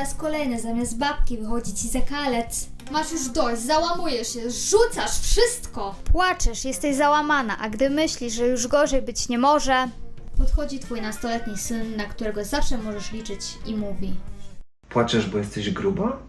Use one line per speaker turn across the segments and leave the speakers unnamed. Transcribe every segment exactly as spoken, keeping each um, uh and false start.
raz kolejny zamiast babki wychodzi ci zakalec. Masz już dość, załamujesz się, rzucasz wszystko. Płaczesz, jesteś załamana, a gdy myślisz, że już gorzej być nie może, podchodzi twój nastoletni syn, na którego zawsze możesz liczyć i mówi:
Płaczesz, bo jesteś gruba?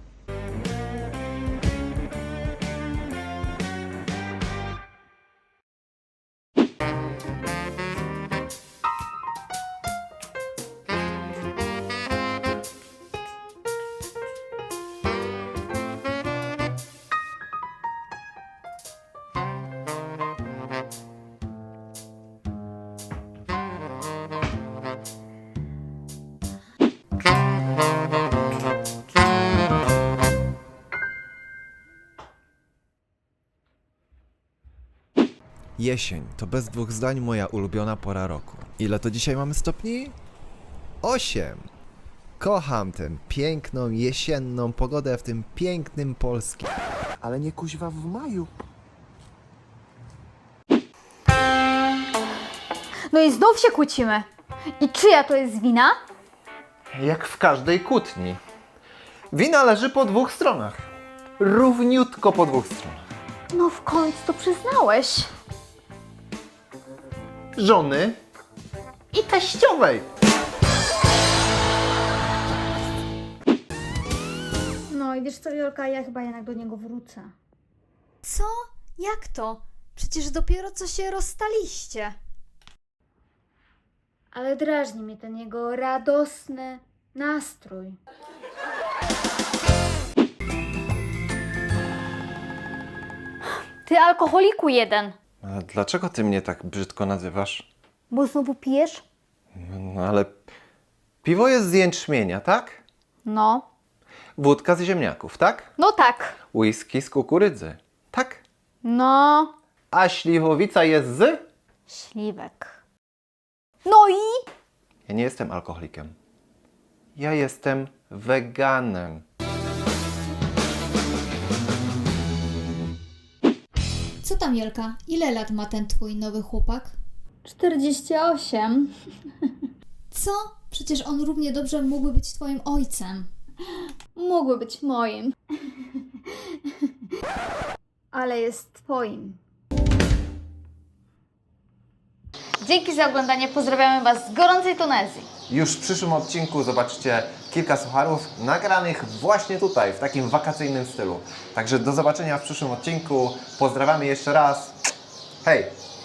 Jesień to bez dwóch zdań moja ulubiona pora roku. Ile to dzisiaj mamy stopni? Osiem. Kocham tę piękną, jesienną pogodę w tym pięknym Polskim.
Ale nie kuźwa w maju.
No i znów się kłócimy. I czyja to jest wina?
Jak w każdej kłótni. Wina leży po dwóch stronach. Równiutko po dwóch stronach.
No w końcu to przyznałeś.
Żony i teściowej.
No i wiesz co, Jolka, ja chyba jednak do niego wrócę.
co? Jak to? Przecież dopiero co się rozstaliście.
Ale drażni mnie ten jego radosny nastrój. Ty alkoholiku jeden.
A dlaczego ty mnie tak brzydko nazywasz?
Bo znowu pijesz?
No ale piwo jest z jęczmienia, tak?
No.
Wódka z ziemniaków, tak?
No tak.
Whisky z kukurydzy, tak?
No.
A śliwowica jest z?
Śliwek. No i?
Ja nie jestem alkoholikiem. Ja jestem weganem.
Co tam, Jelka? Ile lat ma ten twój nowy chłopak?
czterdzieści osiem.
Co? Przecież on równie dobrze mógłby być twoim ojcem.
Mógłby być moim. Ale jest twoim. Dzięki za oglądanie. Pozdrawiamy Was z gorącej Tunezji.
Już w przyszłym odcinku zobaczycie kilka sucharów nagranych właśnie tutaj, w takim wakacyjnym stylu. Także do zobaczenia w przyszłym odcinku. Pozdrawiamy jeszcze raz. Hej!